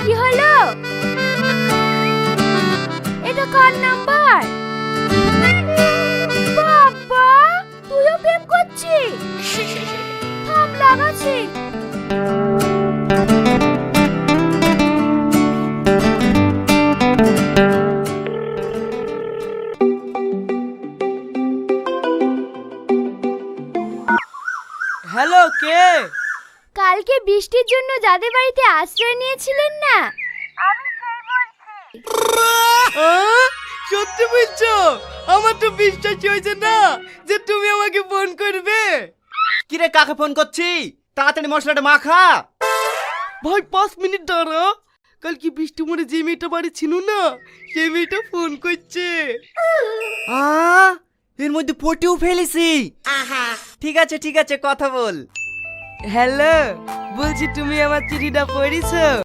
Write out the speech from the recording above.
কি হলো? এটা কার নাম্বার? বাবা, তুইও প্রেম করছিস? থাম, লাগাচ্ছি। হ্যালো, কে? কালকে বৃষ্টির জন্য যাদের বাড়িতে আশ্রয় নিয়েছিলেন না, আমি সেই বলছি। সত্যি বলছো? আমার তো বিশ্বাস হয়েছে না যে তুমি আমাকে ফোন করবে। কিরে, কাকে ফোন করছি? তাড়াতাড়ি মশলাটা মাখা। ভাই 5 মিনিট দাঁড়া। কালকে বৃষ্টি মরে যে মেয়েটা বাড়ি ছিল না, সেই মেয়েটা ফোন করছে। এর মধ্যে পটিও ফেলেছি। ঠিক আছে কথা বল। হ্যালো, বলছি তুমি আমার চিঠিটা পড়েছো?